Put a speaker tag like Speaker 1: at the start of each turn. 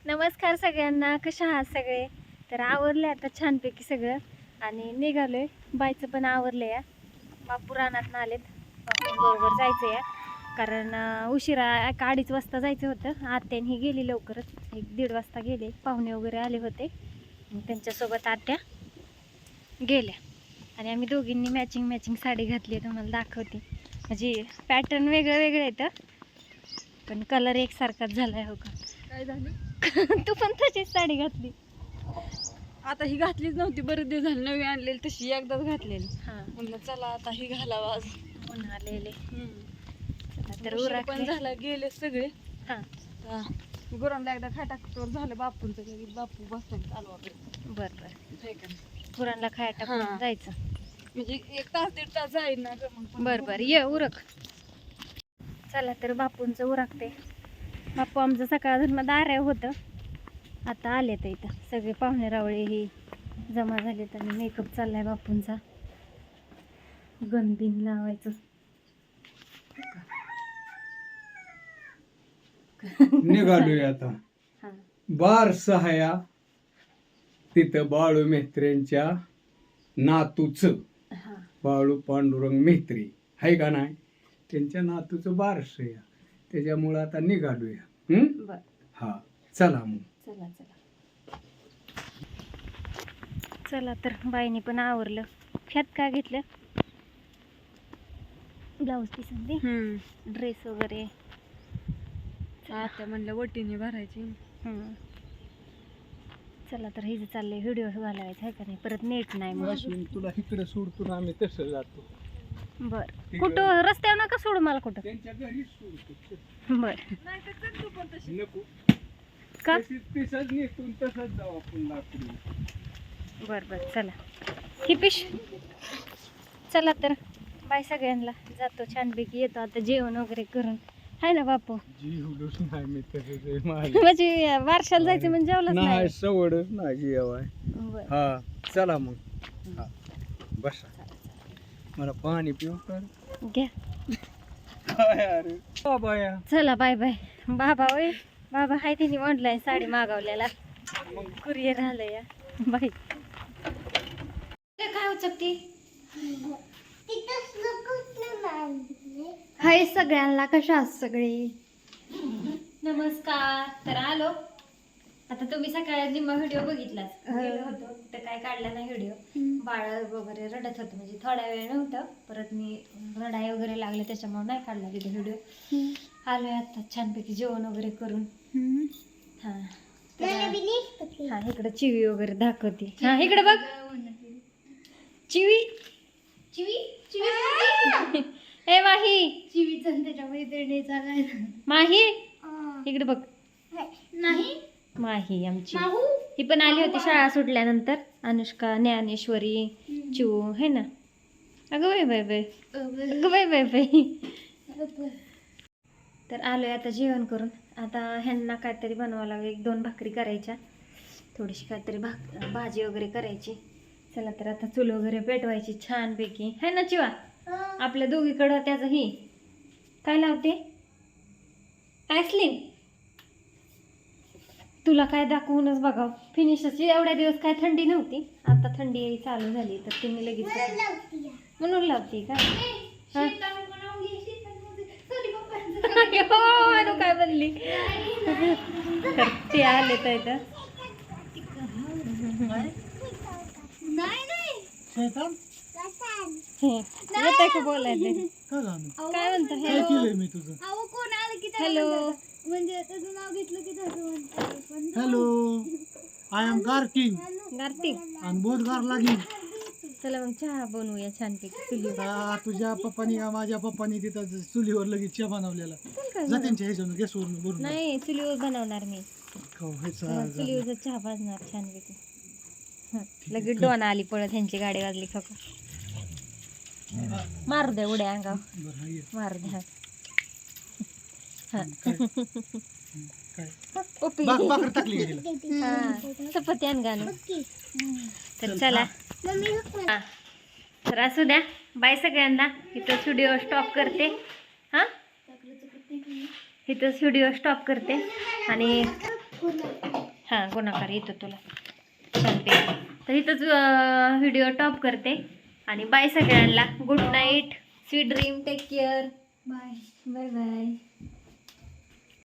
Speaker 1: नमस्कार सगळ्यांना, कशा आहात सगळे? तर आवरले आता छानपैकी सगळं आणि निघालोय. बायचं पण आवरले या. बापू रानात आलेत, बरोबर जायचं या कारण उशिरा 1-2:30 वाजता जायचं होतं. आत्याने ही गेली लवकरच, 1-1:30 वाजता गेले. पाहुणे वगैरे आले होते, त्यांच्यासोबत आत्या गेल्या आणि आम्ही दोघींनी मॅचिंग साडी घातली. तुम्हाला दाखवते. म्हणजे पॅटर्न वेगळं वेगळं येतं पण कलर एकसारखाच झालाय. हो का?
Speaker 2: काय झालं?
Speaker 1: तू पण तशीच साडी घातली.
Speaker 2: आता ही घातलीच नव्हती, बरेच दिवस झाले नवी आणलेली, तशी एकदाच घातलेली.
Speaker 1: हां,
Speaker 2: म्हणलं चला आता ही घालावा आज.
Speaker 1: उन्हाळलेले. तर
Speaker 2: उशीर
Speaker 1: उरकले.
Speaker 2: पण झाला, गेले सगळे.
Speaker 1: हां,
Speaker 2: गुरांना एकदा खाटाकटोर झालं बापूंचं, लगेच बापू बसला चालू आपलं.
Speaker 1: बरं बरं.
Speaker 2: हे का नाही?
Speaker 1: गुरांना खाया टाकून
Speaker 2: हां.
Speaker 1: जायचं.
Speaker 2: म्हणजे 1 तास 1.5 तास जाईल ना ग मग.
Speaker 1: बरं बरं, ये उरक. चला तर बापूंचं उरकते. बापू आमचं सकाळ धर्म दाऱ्या होतं, आता आले तर इथं सगळे पाहुणे रावळे ही जमा झालेत आणि मेकअप चाललाय बापूंचा. गणबिन लावायचं.
Speaker 3: निघालोय आता
Speaker 1: हां,
Speaker 3: बार सहाया तिथं बाळू मेहत्रेंच्या नातूचं,
Speaker 1: हां.
Speaker 3: बाळू पांडुरंग मेहत्रे आहे का नाही, त्यांच्या नातूचं बारस या, त्याच्यामुळं आता निघालोया.
Speaker 1: बरं,
Speaker 3: हा, चला मग.
Speaker 1: चला चला चला. तर बाईने पण आवरलं. ह्यात काय घेतलं? ब्लाऊज पीस, ड्रेस वगैरे.
Speaker 2: आता म्हणलं वटीने भरायची.
Speaker 1: चला तर हे जे चाललंय व्हिडिओ घालायचं आहे का नाही, परत नेट नाही मग.
Speaker 3: अश्विन, तुला इकडे सोडतो आम्ही तसं जातो.
Speaker 1: बर, कुठं रस्त्यावर नका सोडू मला कुठं.
Speaker 3: त्यांच्या घरीच सोडतो.
Speaker 1: बर,
Speaker 2: नाही तर चल तू पण तशी.
Speaker 3: नको,
Speaker 1: का?
Speaker 3: तसंच नेसून तसंच जाऊ आपण लाकडी.
Speaker 1: बर बर, चला. ही पिश. चला तर बाय सगळ्यांना, जातो छानपैकी, येतो आता जेवण वगैरे करून. आहे ना बापू?
Speaker 3: जीवलोच नाही मी तसंच
Speaker 1: म्हणजे वारशाला जायचं म्हणजे जेवलंच
Speaker 3: नाही,
Speaker 1: नाही.
Speaker 3: सवडच नाही जेवाय.
Speaker 1: बर,
Speaker 3: हा, चला मग. हा, बसा. मला पाणी पिऊ कर.
Speaker 1: घ्या.
Speaker 3: काय अरे बाबा या.
Speaker 1: चला बाय बाय. बाबा होय, बाबा हाय त्यांनी ऑनलाईन साडी मागवलेला, कुरिअर आलं या. बाय. काय उचकती? हाय सगळ्यांना, कशा आहात सगळे? नमस्कार. तर आलो आता. तुम्ही सकाळी निम्मा व्हिडिओ बघितलाच. गेलो होतो तर काय काढला नाही व्हिडिओ. बाळ वगैरे रडत होतं, म्हणजे थोडा वेळ नव्हतं, परत मी रडाई वगैरे लागले त्याच्यामुळे नाही काढला तिथे व्हिडिओ. आलोय आता छानपैकी जेवण वगैरे करून. हा, हा इकडे चिवी वगैरे दाखवते. हा इकडे बघ, चिवी चिवी चिवी. ए माही, चिवीचा त्याच्या मैत्रिणीचा माही, इकडे बघ. नाही, माही आमची, ही पण आली होती शाळा सुटल्यानंतर. अनुष्का, ज्ञानेश्वरी, चिऊ है ना. अगं बाय बाय बाय, अगं बाय बाय बाय. तर आलोय आता जेवण करून. आता ह्यांना काहीतरी बनवावं लागेल, 1-2 भाकरी करायच्या, थोडीशी काहीतरी भाजी वगैरे करायची. चला तर आता चूल वगैरे पेटवायची छानपैकी, है ना चिवा? आपल्या दोघीकडं त्याचं ही काय लावते, ॲस्लिन. तुला काय दाखवूनच बघाव फिनिशची. एवढ्या दिवस काय थंडी नव्हती, आता थंडी चालू झाली तर तिने लगेच म्हणून लावते का? हो, काय बनली. तर ते आले तर इथं. येतंय का बोलायचं? काय म्हणतो? हॅलो.
Speaker 4: म्हणजे त्याचं नाव घेतलं की
Speaker 5: hello, I am Kartik
Speaker 1: Kartik.
Speaker 5: आणि बोट गार लागली.
Speaker 1: चला मग चहा बनवूया छानपैकी चुलीवर.
Speaker 5: तुझ्या पप्पानी का माझ्या पप्पानी तिथं चुलीवर लगेच चहा बनवलेला. जा त्यांच्या ह्याच्यावर गॅसवरून भरून.
Speaker 1: नाही, चुलीवर बनवणार मी.
Speaker 5: चुलीवर
Speaker 1: चुलीवर चहा भाजणार छानपैकी. लगेच डोन आली पळत, ह्यांची गाडी वाजली. खका मारू द्या उड्या अंगावर, मारू द्या. चपाती आण गाणं. तर चला, तर असू द्या. बाय सगळ्यांना. इथंच व्हिडिओ स्टॉप करते. हां, इथंच व्हिडिओ स्टॉप करते आणि हां गुणाकार येतो तुला छानपैकी. तर इथंच व्हिडिओ टॉप करते आणि बाय सगळ्यांना. Good night, sweet dream, take care,
Speaker 4: bye.
Speaker 1: Bye bye.